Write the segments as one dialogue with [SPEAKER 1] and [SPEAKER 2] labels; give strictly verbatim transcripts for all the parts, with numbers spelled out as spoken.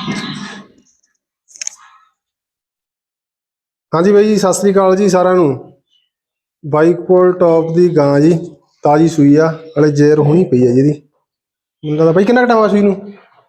[SPEAKER 1] हाँ जी भाई जी सत श्री अकाल जी सारा नू। बाई कोल टॉप की गां जी ताजी सूई आ हले जेर होनी पई है जी। मैनूं लगदा भाई किन्ना टाइम आ सूई नूं?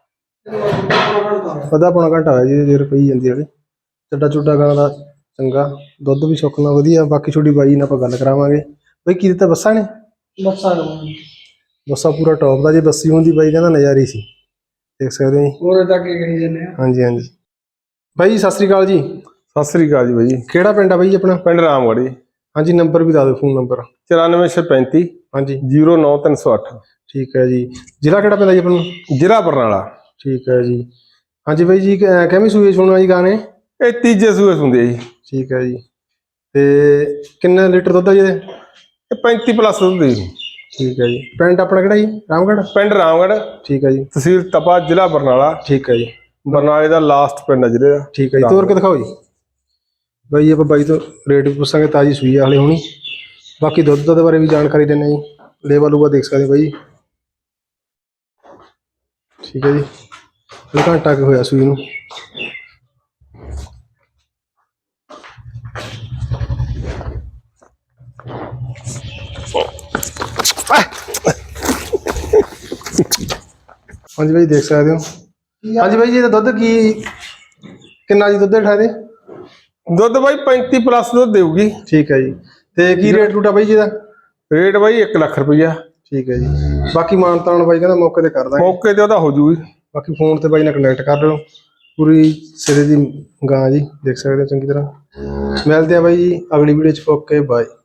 [SPEAKER 1] अद्धा पौना घंटा होया जी जेर पई जांदी हले। ਚੱਡਾ ਚੁੱਡਾ ਗਾਂ ਦਾ ਚੰਗਾ ਦੁੱਧ ਵੀ ਸੁੱਕਣਾ ਵਧੀਆ। ਬਾਕੀ ਛੋਟੀ ਬਾਈ ਨਾਲ ਆਪਾਂ ਗੱਲ ਕਰਾਵਾਂਗੇ। ਬਈ ਕੀ ਦਿੱਤਾ ਬੱਸਾਂ ਨੇ?
[SPEAKER 2] ਬੱਸਾਂ
[SPEAKER 1] ਬੱਸਾਂ ਪੂਰਾ ਟੌਪ ਦਾ। ਜੇ ਬੱਸੀ ਹੁੰਦੀ ਬਾਈ ਕਹਿੰਦਾ ਨਜ਼ਾਰੀ ਸੀ, ਦੇਖ ਸਕਦੇ ਹੋ ਜੀ।
[SPEAKER 2] ਹੋਰ ਤਾਂ ਕੀ ਕਰੀ ਜਾਂਦੇ ਆ।
[SPEAKER 1] ਹਾਂਜੀ ਹਾਂਜੀ ਬਾਈ ਜੀ ਸਤਿ ਸ੍ਰੀ ਅਕਾਲ ਜੀ।
[SPEAKER 3] ਸਤਿ ਸ੍ਰੀ ਅਕਾਲ ਜੀ ਬਾਈ ਜੀ।
[SPEAKER 1] ਕਿਹੜਾ ਪਿੰਡ ਆ ਬਾਈ ਆਪਣਾ?
[SPEAKER 3] ਪਿੰਡ ਰਾਮਗੜ੍ਹ ਜੀ।
[SPEAKER 1] ਹਾਂਜੀ ਨੰਬਰ ਵੀ ਦੱਸ ਦਿਓ, ਫੋਨ ਨੰਬਰ।
[SPEAKER 3] ਚੁਰਾਨਵੇਂ ਛੇ ਪੈਂਤੀ
[SPEAKER 1] ਹਾਂਜੀ
[SPEAKER 3] ਜੀਰੋ ਨੌ ਤਿੰਨ ਸੌ ਅੱਠ।
[SPEAKER 1] ਠੀਕ ਹੈ ਜੀ। ਜ਼ਿਲ੍ਹਾ ਕਿਹੜਾ ਪੈਂਦਾ ਜੀ ਆਪਾਂ ਨੂੰ?
[SPEAKER 3] ਜ਼ਿਲ੍ਹਾ ਬਰਨਾਲਾ।
[SPEAKER 1] ਠੀਕ ਹੈ ਜੀ। ਹਾਂਜੀ ਬਾਈ ਜੀ ਕਿਵੇਂ ਸੂਏ ਸੁਣਨਾ ਜੀ ਗਾਂ ਨੇ?
[SPEAKER 3] ਇਹ ਤੀਜੇ ਸੂਏ ਹੁੰਦੇ ਜੀ।
[SPEAKER 1] ਠੀਕ ਹੈ ਜੀ। ਤੇ ਕਿੰਨੇ ਲੀਟਰ ਦੁੱਧ ਆ ਜੀ ਇਹਦੇ?
[SPEAKER 3] ਇਹ ਪੈਂਤੀ ਪਲੱਸ ਦੁੱਧ ਜੀ।
[SPEAKER 1] ਠੀਕ ਹੈ ਜੀ। ਪਿੰਡ ਆਪਣਾ ਕਿਹੜਾ ਜੀ? ਰਾਮਗੜ੍ਹ।
[SPEAKER 3] ਪਿੰਡ ਰਾਮਗੜ੍ਹ,
[SPEAKER 1] ਠੀਕ ਹੈ ਜੀ।
[SPEAKER 3] ਤਹਿਸੀਲ ਤਪਾ, ਜ਼ਿਲ੍ਹਾ ਬਰਨਾਲਾ।
[SPEAKER 1] ਠੀਕ ਹੈ ਜੀ।
[SPEAKER 3] ਬਰਨਾਲੇ ਦਾ ਲਾਸਟ ਪਿੰਡ ਹੈ ਜ਼ਿਲ੍ਹੇ ਦਾ।
[SPEAKER 1] ਠੀਕ ਹੈ ਜੀ। ਤੋਰ ਕੇ ਦਿਖਾਓ ਜੀ ਬਾਈ। ਆਪਾਂ ਬਾਈ ਤੋਂ ਰੇਟ ਵੀ ਪੁੱਛਾਂਗੇ। ਤਾਜ਼ੀ ਸੂਈ ਆ ਹਲੇ ਹੋਣੀ। ਬਾਕੀ ਦੁੱਧ ਦੇ ਬਾਰੇ ਵੀ ਜਾਣਕਾਰੀ ਦਿੰਦੇ ਜੀ। ਲੇਵਾ ਲੂਵਾ ਦੇਖ ਸਕਦੇ ਬਾਈ। ਠੀਕ ਹੈ ਜੀ। ਹਲੇ ਘੰਟਾ ਕੁ ਹੋਇਆ ਸੂਈ ਨੂੰ। ਹਾਂਜੀ ਬਾਈ ਦੇਖ ਸਕਦੇ ਹੋ। ਹਾਂਜੀ ਬਾਈ ਜੀ ਇਹਦਾ ਦੁੱਧ ਕੀ ਕਿੰਨਾ ਜੀ ਦੁੱਧ ਹੇਠਾਂ ਇਹਦੇ?
[SPEAKER 3] ਦੁੱਧ ਬਾਈ ਪੈਂਤੀ ਪਲੱਸ ਦੁੱਧ ਦੇਊਗੀ।
[SPEAKER 1] ਠੀਕ ਹੈ ਜੀ। ਤੇ ਕੀ ਰੇਟ ਰੂਟ ਆ ਬਾਈ ਜੀ ਇਹਦਾ?
[SPEAKER 3] ਰੇਟ ਬਾਈ ਇੱਕ ਲੱਖ ਰੁਪਈਆ।
[SPEAKER 1] ਠੀਕ ਹੈ ਜੀ। ਬਾਕੀ ਮਾਨਤਾਨ ਬਾਈ ਕਹਿੰਦਾ ਮੌਕੇ ਤੇ ਕਰ ਦਾਂਗੇ।
[SPEAKER 3] ਮੌਕੇ ਤੇ ਉਹਦਾ ਹੋ ਜੂਗੀ।
[SPEAKER 1] ਬਾਕੀ ਫੋਨ ਤੇ ਬਾਈ ਨਾਲ ਕਨੈਕਟ ਕਰ ਲਿਓ। ਪੂਰੀ ਸਿਰੇ ਦੀ ਗਾਂ ਜੀ ਦੇਖ ਸਕਦੇ ਹੋ ਚੰਗੀ ਤਰ੍ਹਾਂ। ਮਿਲਦੇ ਆ ਬਾਈ ਜੀ ਅਗਲੀ ਵੀਡੀਓ 'ਚ। Okay bye.